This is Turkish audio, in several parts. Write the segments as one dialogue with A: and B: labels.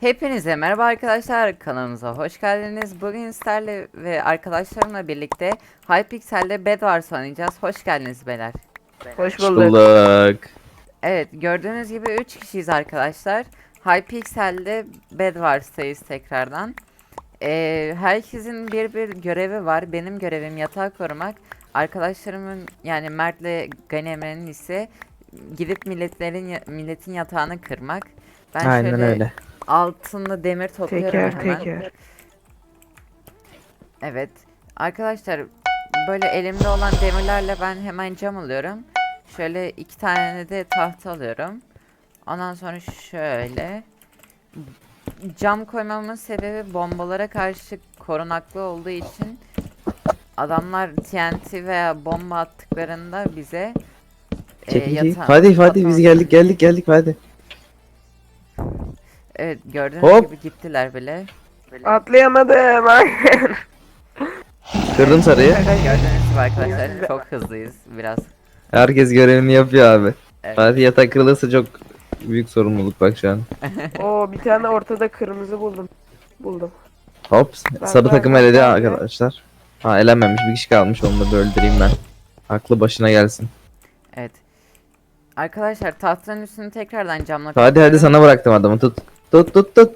A: Hepinize merhaba arkadaşlar, kanalımıza hoş geldiniz. Bugün sizlerle ve arkadaşlarımla birlikte Hypixel'de Bedwars oynayacağız. Hoş geldiniz beyler.
B: Hoş
C: Hoş
B: bulduk.
C: bulduk.
A: Evet, gördüğünüz gibi 3 kişiyiz arkadaşlar. Hypixel'de Bedwars'tayız tekrardan. Herkesin bir görevi var. Benim görevim yatağı korumak. Arkadaşlarımın yani Mert'le Gani Emre'nin ise gidip milletin yatağını kırmak. Ben
C: Aynen
A: şöyle
C: öyle.
A: altınlı demir topluyorum
B: Teker
A: hemen.
B: teker.
A: Evet. Arkadaşlar böyle elimde olan demirlerle ben hemen cam alıyorum. Şöyle 2 tane de tahta alıyorum. Ondan sonra şöyle cam koymamın sebebi bombalara karşı korunaklı olduğu için adamlar TNT veya bomba attıklarında bize
C: Çekici. Hadi biz geldik hadi.
A: Evet, gördüğünüz
C: Hop.
A: gibi gittiler bile.
B: Atlayamadım.
C: Kırdım sarıyı.
A: Gördüğünüz gibi arkadaşlar çok hızlıyız biraz.
C: Herkes görevini yapıyor abi.
A: Evet.
C: Hadi yatak kırılırsa çok büyük sorumluluk bak şu an.
B: Oo, bir tane ortada kırmızı buldum. Buldum.
C: Hop. Sarı
B: Bak,
C: takım
B: bak,
C: eledi
B: bak.
C: arkadaşlar. Ha elenmemiş bir kişi kalmış onu da bir öldüreyim ben. Aklı başına gelsin.
A: Evet. Arkadaşlar tahtanın üstünü tekrardan camla
C: Hadi
A: kaplıyorum.
C: sana bıraktım adamı tut. Tut.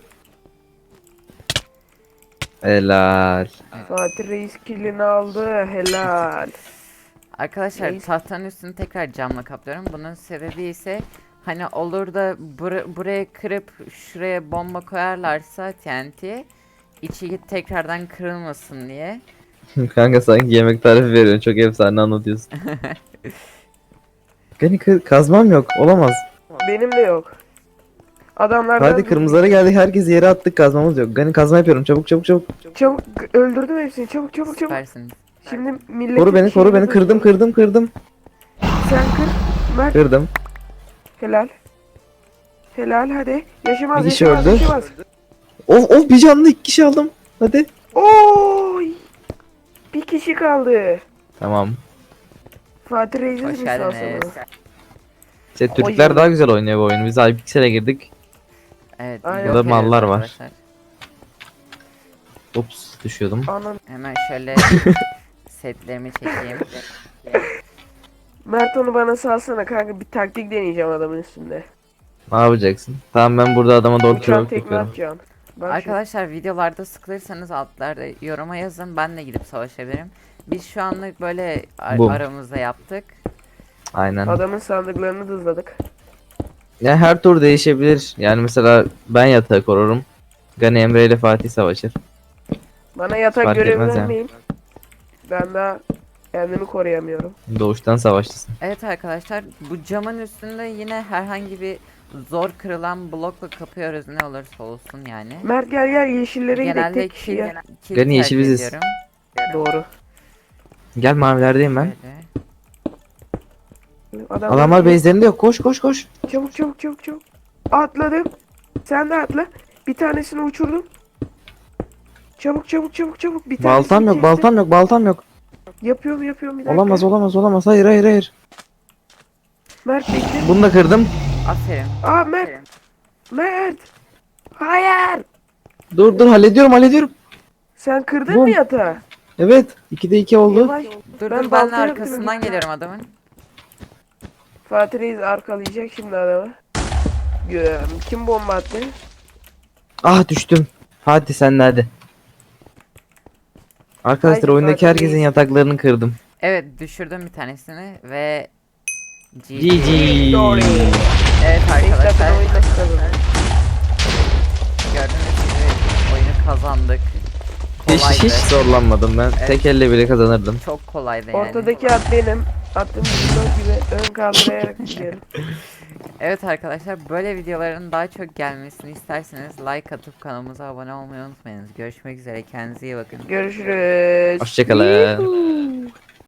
C: Helal.
B: Fatih Reis killini aldı. Helal.
A: Arkadaşlar
B: Neyse.
A: tahtanın üstünü tekrar camla kaplıyorum. Bunun sebebi ise hani olur da buraya kırıp şuraya bomba koyarlarsa TNT içi tekrardan kırılmasın diye.
C: Kanka sanki yemek tarifi veriyorsun. Çok efsane anlatıyorsun. Gani kazmam yok. Olamaz.
B: Benim de yok. Adamlar
C: Hadi kırmızılara geldik. Herkes yere attık. Kazmamız yok. Gani kazma yapıyorum. Çabuk.
B: Çabuk öldürdüm hepsini. Çabuk.
A: Süpersiniz.
B: Şimdi milletin
C: Koru beni.
B: şeyini
C: Kırdım.
B: Sen kır. Mert.
C: Kırdım.
B: Helal. Helal hadi. Yaşamaz
C: Bir kişi
B: yaşamaz
C: öldü.
B: yaşamaz.
C: Of bir canlı 2 kişi aldım. Hadi.
B: Oy. Bir kişi kaldı.
C: Tamam.
B: Fatih Reis'in
A: Hoş
B: mi
A: geldiniz.
B: sağ
C: İşte Türkler daha güzel oynuyor bu oyunu. Biz Hypixel'e girdik.
A: Evet.
B: Aynen.
A: yok
C: Burada mallar
A: ediyoruz
C: var.
A: arkadaşlar.
C: Ops düşüyordum.
B: Anan.
A: Hemen şöyle setlerimi çekeyim.
B: Mert onu bana salsana kanka, bir taktik deneyeceğim adamın üstünde.
C: Ne yapacaksın? Tamam ben burada adama doğru
B: Uçan
C: kürek
B: tekme
C: bakıyorum.
B: atacağım. Bak
A: Arkadaşlar videolarda sıkılırsanız altlarda yoruma yazın, ben de gidip savaşabilirim. Biz şu anlık böyle
C: Bum.
A: aramızda yaptık.
C: Aynen.
B: şimdi. Adamın sandıklarını hızladık.
C: Ya her tur değişebilir. Yani mesela ben yatağı korurum. Gani Emre ile Fatih savaşır.
B: Bana yatak
C: Fark
B: görevi
C: etmez ya.
B: vermeyin. Ben daha kendimi koruyamıyorum.
C: Doğuştan savaşçısın.
A: Evet arkadaşlar, bu camın üstünde yine herhangi bir zor kırılan blokla kapıyoruz, ne olursa olsun yani.
B: Mert gel yeşillere gidelim
A: Genelde
B: tek kişiye.
A: kill
C: Gani yeşil
A: tercih
C: biziz.
A: ediyorum.
B: Doğru.
C: Gel mavilerdeyim ben.
A: Böyle.
C: Adamlar base'lerinde yok. Koş.
B: Çabuk. Atladım. Sen de atla. Bir tanesini uçurdum. Çabuk. Bir tanesini kestim.
C: Baltam yok.
B: Yapıyorum bir dakika.
C: Olamaz. Hayır.
B: Mert bekle.
C: Bunu da kırdım.
A: Aferin.
B: Aa Mert. Hayır.
C: Dur hallediyorum.
B: Sen kırdın
C: Bum.
B: mı yatağı?
C: Evet. 2'de 2 oldu.
B: Yavaş.
A: Dur
B: Ben
A: ben de
B: balta yaptım,
A: arkasından
B: evet.
A: geliyorum adamın.
B: Fatih Reis arkalayacak şimdi adamı. Kim bomba attı?
C: Ah düştüm. Hadi sen de hadi. Arkadaşlar
B: Haydi
C: oyundaki
B: Fatih
C: herkesin
B: Reis.
C: yataklarını kırdım.
A: Evet, düşürdüm bir tanesini ve
C: GG.
B: Victory.
A: Evet
B: 5 dakikada
A: arkadaşlar,
B: oyun nasıl kazanır?
A: gördüğünüz gibi oyunu kazandık. Kolaydı.
C: Hiç zorlanmadım ben.
A: Evet.
C: Tek elle bile kazanırdım.
A: Çok kolaydı yani.
B: Ortadaki at benim. Attığım blok gibi ön kaldırayarak gidiyorum.
A: Evet arkadaşlar, böyle videoların daha çok gelmesini isterseniz like atıp kanalımıza abone olmayı unutmayınız. Görüşmek üzere, kendinize iyi bakın.
B: Görüşürüz.
C: Hoşçakalın.
B: Yuhuu.